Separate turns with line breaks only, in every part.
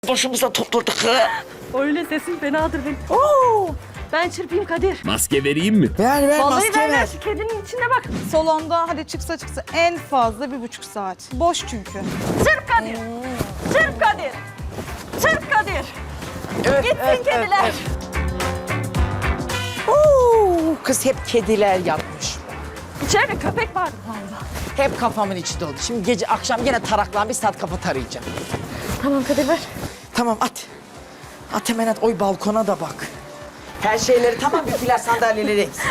Başımıza topladık.
Öyle sesin fenadır benim. Oo! Ben çırpayım Kadir.
Maske vereyim mi?
Ver
Vallahi
maske
ver
ver.
şu kedinin içine bak.
Salonda hadi çıksa en fazla 1,5 saat. Boş çünkü.
Çırp Kadir. Çırp Kadir. Çırp Kadir. Gitsin kediler.
Oo, kız hep kediler yapmış.
İçeride köpek vardı galiba.
Hep kafamın içi doldu. Şimdi gece akşam yine taraklan bir saat kafa tarayacağım.
Tamam Kadir ver.
Tamam at. At hemen at. Oy balkona da bak. Her şeyleri tamam bir flash sandalyeleri eksik.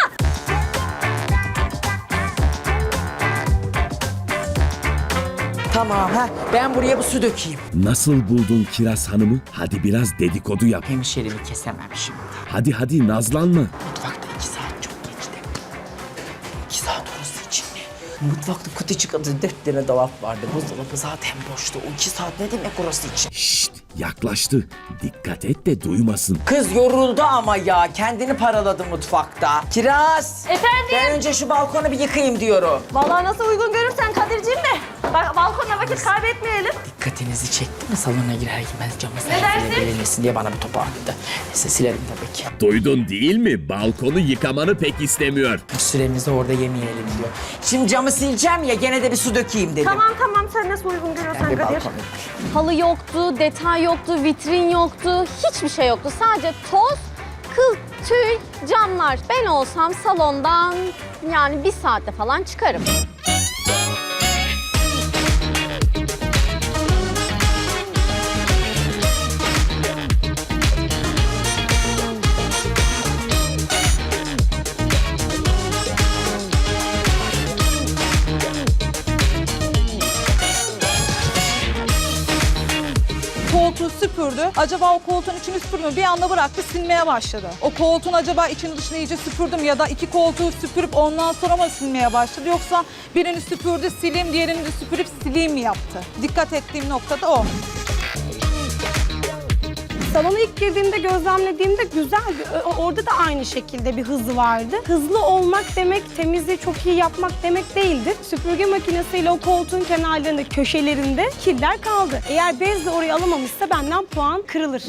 Tamam ha. Ben buraya bu su dökeyim.
Nasıl buldun Kiraz Hanım'ı? Hadi biraz dedikodu yap.
Hemşerimi kesemem şimdi.
Hadi nazlanma.
Mutfakta 2 saat çok geçti. 2 saat orası için mi? Mutfakta küçücük adı 4 tane dolap vardı. Buzdolabı zaten boştu. O 2 saat ne demek orası için?
Şşt, yaklaştı. Dikkat et de duymasın.
Kız yoruldu ama ya. Kendini paraladı mutfakta. Kiraz.
Efendim?
Ben önce şu balkonu bir yıkayayım diyorum.
Vallahi nasıl uygun görürsen Kadir'ciğim de. Bak balkonda vakit kaybetmeyelim.
Dikkatinizi çekti mi salona girer girmez camı
dersin?
verilmesin diye bana bir topu attı. Neyse silerim tabii ki.
Duydun değil mi? Balkonu yıkamanı pek istemiyor.
Süremizi orada yemeyelim diyor. Şimdi camı sileceğim ya gene de bir su dökeyim dedim.
Tamam sen nasıl uygun görüyorsan
Bir
Kadir.
balkonu.
Halı yoktu, detay yoktu, vitrin yoktu, hiçbir şey yoktu. Sadece toz, kıl, tüy, camlar. Ben olsam salondan yani 1 saatte falan çıkarım.
Koltuğu süpürdü. Acaba o koltuğun içini süpürmüyor. Bir anda bıraktı silmeye başladı. O koltuğun acaba içini dışını iyice süpürdüm ya da 2 koltuğu süpürüp ondan sonra mı silmeye başladı? Yoksa birini süpürdü sileyim, diğerini de süpürüp sileyim mi yaptı? Dikkat ettiğim noktada o.
Salona ilk girdiğimde gözlemlediğimde güzeldi. Orada da aynı şekilde bir hızı vardı. Hızlı olmak demek temizliği çok iyi yapmak demek değildir. Süpürge makinesiyle o koltuğun kenarlarında, köşelerinde kirler kaldı. Eğer bezle orayı alamamışsa benden puan kırılır.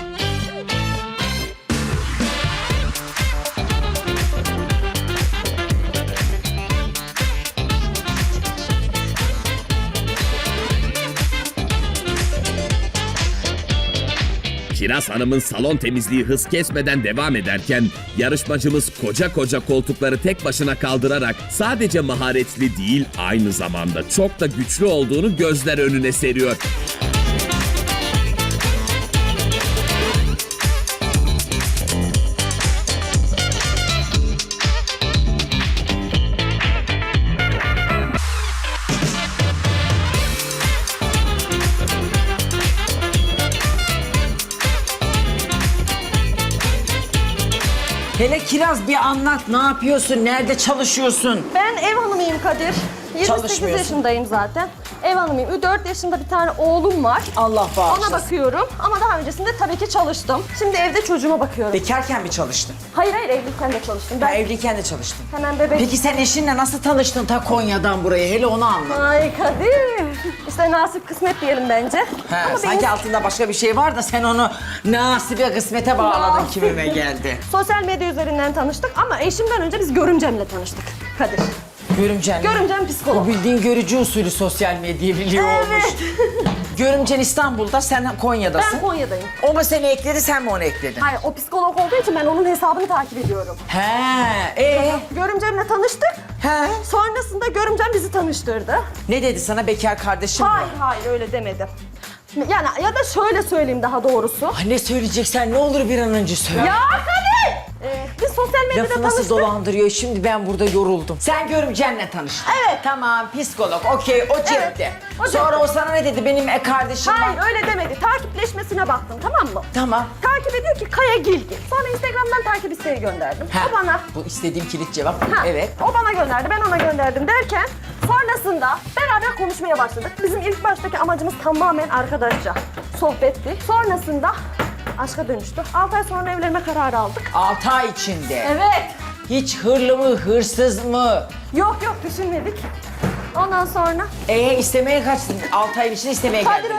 Kiraz Hanım'ın salon temizliği hız kesmeden devam ederken yarışmacımız koca koltukları tek başına kaldırarak sadece maharetli değil aynı zamanda çok da güçlü olduğunu gözler önüne seriyor.
Hele Kiraz bir anlat ne yapıyorsun, nerede çalışıyorsun?
Ben ev hanımıyım Kadir. 28
Çalışmıyorsun.
yaşındayım zaten. Ev hanımıyım. 4 yaşında bir tane oğlum var.
Allah bağışlasın.
Ona bakıyorum ama daha öncesinde tabii ki çalıştım. Şimdi evde çocuğuma bakıyorum.
Bekarken mi çalıştın?
Hayır evliyken de çalıştım.
Ben
Ben
evliyken de çalıştım.
hemen bebek...
Peki sen eşinle nasıl tanıştın ta Konya'dan buraya? Hele onu anlat.
Ay Kadir. İşte nasip kısmet diyelim bence.
He,
Ama
sanki
benim
altında başka bir şey var da sen onu nasibe kısmete bağladın
Nasip.
kimime geldi.
sosyal medya üzerinden tanıştık ama eşimden önce biz görümcemle tanıştık Kadir.
Görümcen.
Görümcem
O
psikolog.
bildiğin görücü usulü sosyal medya biliyor olmuş. Görümcen İstanbul'da, sen Konya'dasın.
Ben Konya'dayım.
O mu seni ekledi, sen mi onu ekledin?
Hayır o psikolog olduğu için ben onun hesabını takip ediyorum.
He,
Görümcemle tanıştık.
he.
Sonrasında görümcem bizi tanıştırdı.
Ne dedi sana bekar kardeşim mi?
Hayır öyle demedim. Yani ya da şöyle söyleyeyim daha doğrusu.
Ay ne söyleyeceksen ne olur bir an önce söyle.
Ya Kadir! Biz sosyal medyada
Lafı nasıl
tanıştık.
dolandırıyor şimdi ben burada yoruldum. Sen görümcenle tanıştın.
Evet.
Tamam psikolog okey o cepte.
o cepte.
Sonra o sana ne dedi benim kardeşim
Hayır
var.
öyle demedi. Takipleşmesine baktım tamam mı?
Tamam.
Takip ediyor ki Kaya Gilgil. Sonra Instagram'dan takip isteği gönderdim.
Ha,
O bana...
Bu istediğim kilit cevap.
Ha,
Evet.
O bana gönderdi, ben ona gönderdim derken sonrasında beraber konuşmaya başladık. Bizim ilk baştaki amacımız tamamen arkadaşça sohbetti. Sonrasında aşka dönüştü. 6 ay sonra evlenme kararı aldık.
6 ay içinde.
Evet.
Hiç hırlı mı, hırsız mı?
Yok düşünmedik. Ondan sonra
İstemeye kaçtın? 6 ay içinde istemeye
Kadir
geldiler.
orayı hiç karıştırma.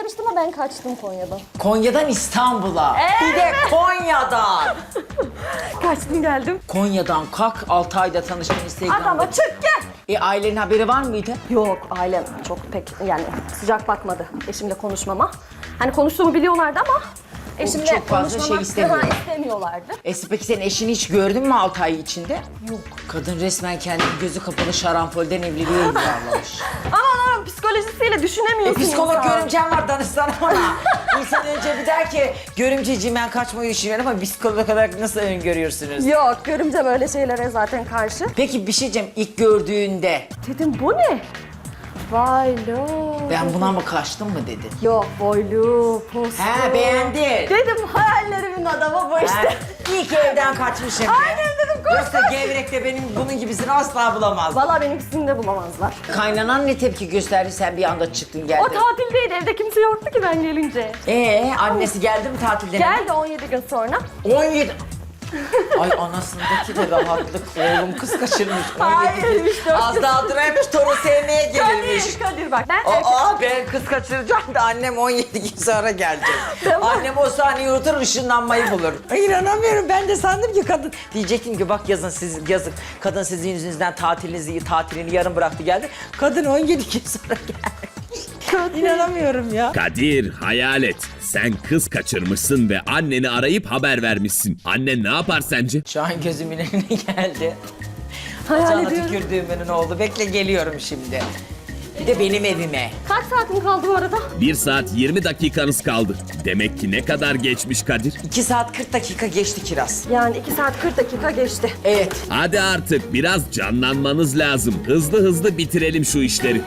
tanıştım ama ben kaçtım Konya'dan.
Konya'dan İstanbul'a. Bir de Konya'dan.
Kaçtım geldim.
Konya'dan kalk 6 ayda tanıştın Instagram'da.
Adama çık gel.
Ailenin haberi var mıydı?
Yok ailem çok pek yani sıcak bakmadı eşimle konuşmama. Hani konuştuğumu biliyorlardı ama eşimle
çok fazla
konuşmama
şey istemiyor.
istemiyorlardı.
Peki sen eşini hiç gördün mü 6 ay içinde? Yok. Kadın resmen kendini gözü kapalı şarampolden evliliğe yuvarlamış.
Ama psikolojisiyle düşünemiyorsun.
Psikolog
insan.
görümcem var, danışsana ona. İnsan önce bir der ki görümceciğim ben kaçmayı düşünüyorum ama psikolog kadar nasıl öngörüyorsunuz?
Yok görümce böyle şeylere zaten karşı.
Peki bir şey diyeceğim, ilk gördüğünde
Dedim bu ne? Vay lo.
ben buna mı kaçtım mı dedin?
Yok boylu, poslu.
He beğendin.
Dedim hayallerimin adamı bu işte.
Ha, iyi ki evden kaçmışım.
Aynen dedim, koş,
Yoksa
koş.
gevrekte benim bunun gibisini asla bulamaz.
Valla benimkisini de bulamazlar.
Kaynanan ne tepki gösterdi, sen bir anda çıktın geldin.
O tatildeydi, evde kimse yoktu ki ben gelince.
Annesi geldi mi tatilden?
Geldi 17 gün sonra.
17. Ay anasındaki de rahatlık. Oğlum kız kaçırmış. 17
Hayır,
gün.
işte o
Az
kız-
daha duraymış, torun sevmeye gelirmiş.
Kadir bak. Ben
Ben kız kaçıracağım da annem 17 gün sonra gelecek.
Tamam.
Annem o saniye unutur, ışınlanmayı bulur. Ay inanamıyorum, ben de sandım ki kadın. Diyecektim ki bak yazık. Kadın sizin yüzünüzden tatilini yarım bıraktı geldi. Kadın 17 gün sonra geldi. İnanamıyorum ya.
Kadir, hayal et. Sen kız kaçırmışsın ve anneni arayıp haber vermişsin. Annen ne yapar sence?
Şu an gözümün önüne geldi.
hayal
Bacağına
ediyorum.
tükürdüğümün oldu. Bekle geliyorum şimdi. Bir de benim evime.
Kaç saatim kaldı bu arada?
1 saat 20 dakikanız kaldı. Demek ki ne kadar geçmiş Kadir?
2 saat 40 dakika geçti Kiraz.
Yani 2 saat 40 dakika geçti.
Evet.
Hadi artık biraz canlanmanız lazım. Hızlı bitirelim şu işleri.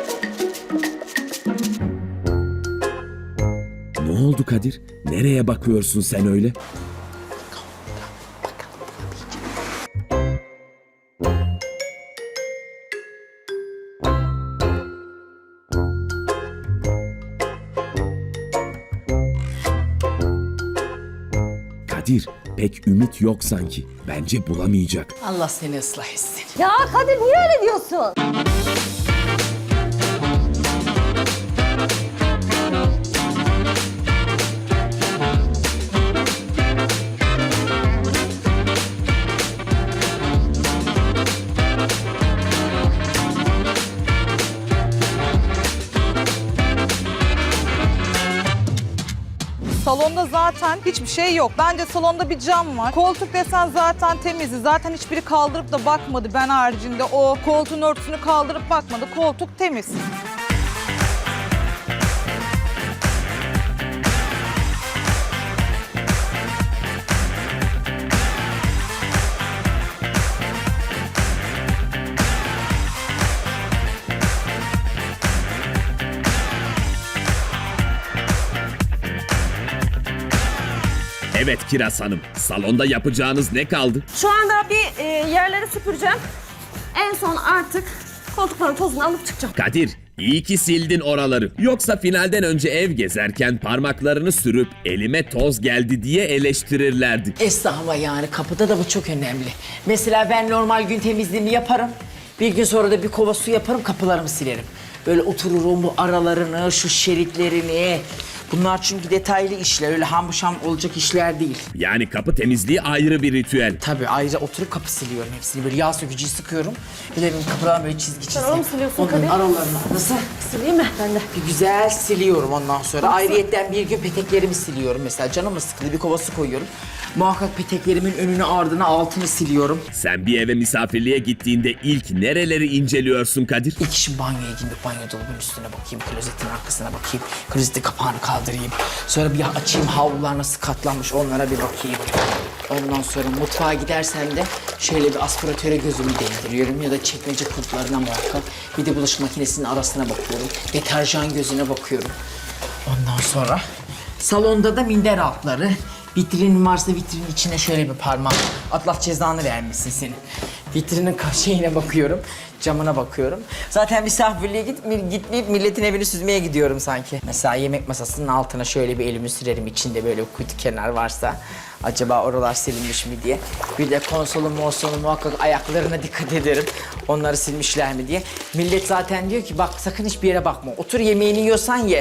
Ne oldu Kadir? Nereye bakıyorsun sen öyle? Kadir, pek ümit yok sanki. Bence bulamayacak.
Allah seni ıslah etsin.
Ya Kadir niye öyle diyorsun?
Salonda zaten hiçbir şey yok. Bence salonda bir cam var. Koltuk desen zaten temizdi. Zaten hiçbiri kaldırıp da bakmadı ben haricinde. O koltuğun örtüsünü kaldırıp bakmadı. Koltuk temiz.
Evet Kiraz Hanım, salonda yapacağınız ne kaldı?
Şu anda bir yerleri süpüreceğim. En son artık koltukların tozunu alıp çıkacağım.
Kadir, iyi ki sildin oraları. Yoksa finalden önce ev gezerken parmaklarını sürüp elime toz geldi diye eleştirirlerdi.
Estağfurullah, yani kapıda da bu çok önemli. Mesela ben normal gün temizliğimi yaparım. Bir gün sonra da bir kova su yaparım, kapılarımı silerim. Böyle otururum bu aralarını, şu şeritlerini. Bunlar çünkü detaylı işler, öyle ham olacak işler değil.
Yani kapı temizliği ayrı bir ritüel.
Tabii ayrıca oturup kapı siliyorum hepsini. Böyle yağ sökücüyü sıkıyorum. Bir de benim kapıdan böyle çizgi.
onu mu siliyorsun
Onların
Kadir?
aralarını. Nasıl?
Sileyim mi? Ben de.
Bir güzel siliyorum ondan sonra. Ayrıyetten bir gün peteklerimi siliyorum mesela. Canım sıkıldı, bir kova su koyuyorum. Muhakkak peteklerimin önünü, ardını, altını siliyorum.
Sen bir eve misafirliğe gittiğinde ilk nereleri inceliyorsun Kadir?
İlk işim banyoya gidip banyo dolabının üstüne bakayım, klozetin arkasına bakayım, klozetin kapağını kaldırayım. Sonra bir açayım, havlular nasıl katlanmış onlara bir bakayım. Ondan sonra mutfağa gidersem de şöyle bir aspiratöre gözümü değdiriyorum ya da çekmece kulplarına muhakkak. Bir de bulaşık makinesinin arasına bakıyorum, deterjan gözüne bakıyorum. Ondan sonra salonda da minder altları. Vitrinin varsa vitrinin içine şöyle bir parmak. Allah cezanı vermesin seni. Vitrinin şeyine bakıyorum, camına bakıyorum. Zaten misafirliğe gitmeyip milletin evini süzmeye gidiyorum sanki. Mesela yemek masasının altına şöyle bir elimi sürerim, içinde böyle kutu kenar varsa. Acaba oralar silinmiş mi diye. Bir de konsolu muhakkak ayaklarına dikkat ederim. Onları silmişler mi diye. Millet zaten diyor ki bak sakın hiçbir yere bakma. Otur yemeğini yiyorsan ye.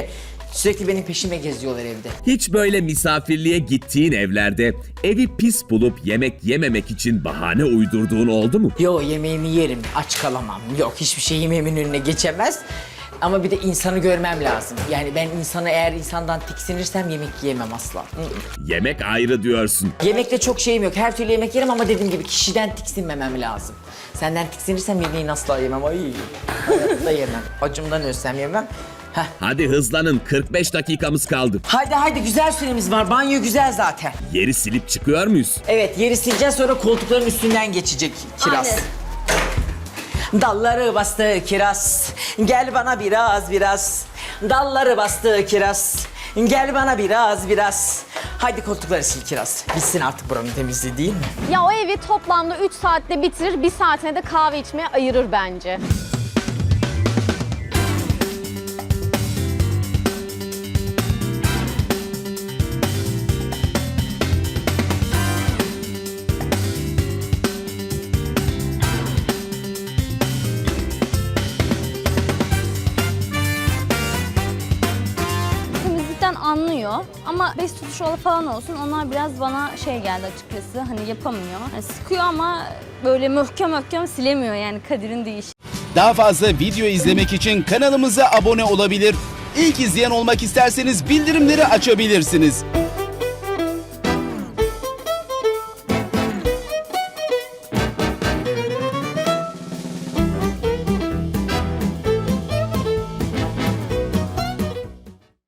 Sürekli benim peşime geziyorlar evde.
Hiç böyle misafirliğe gittiğin evlerde evi pis bulup yemek yememek için bahane uydurduğun oldu mu?
Yo, yemeğimi yerim, aç kalamam. Yok, hiçbir şey yemeğimin önüne geçemez. Ama bir de insanı görmem lazım. Yani ben eğer insandan tiksinirsem yemek yiyemem asla.
Yemek ayrı diyorsun.
Yemekte çok şeyim yok. Her türlü yemek yerim ama dediğim gibi kişiden tiksinmemem lazım. Senden tiksinirsem yemeğini asla yemem. Ay, hayatta yemem. Acımdan ölsem yemem. Heh.
Hadi hızlanın, 45 dakikamız kaldı.
Haydi güzel süremiz var. Banyo güzel zaten.
Yeri silip çıkıyor muyuz?
Evet, yeri sileceğiz, sonra koltukların üstünden geçecek kiraz.
Aynen.
Dalları bastı kiraz, gel bana biraz. Dalları bastı kiraz, gel bana biraz. Haydi koltukları sil kiraz. Bitsin artık buranın temizliği, değil mi?
Ya o evi toplamda 3 saatte bitirir, 1 saatine de kahve içmeye ayırır bence. Temizlikten anlıyor ama bez tutuşu falan olsun, onlar biraz bana şey geldi açıkçası, hani yapamıyor. Yani sıkıyor ama böyle möhkem silemiyor, yani Kadir'in değişi.
Daha fazla video izlemek için kanalımıza abone olabilir. İlk izleyen olmak isterseniz bildirimleri açabilirsiniz.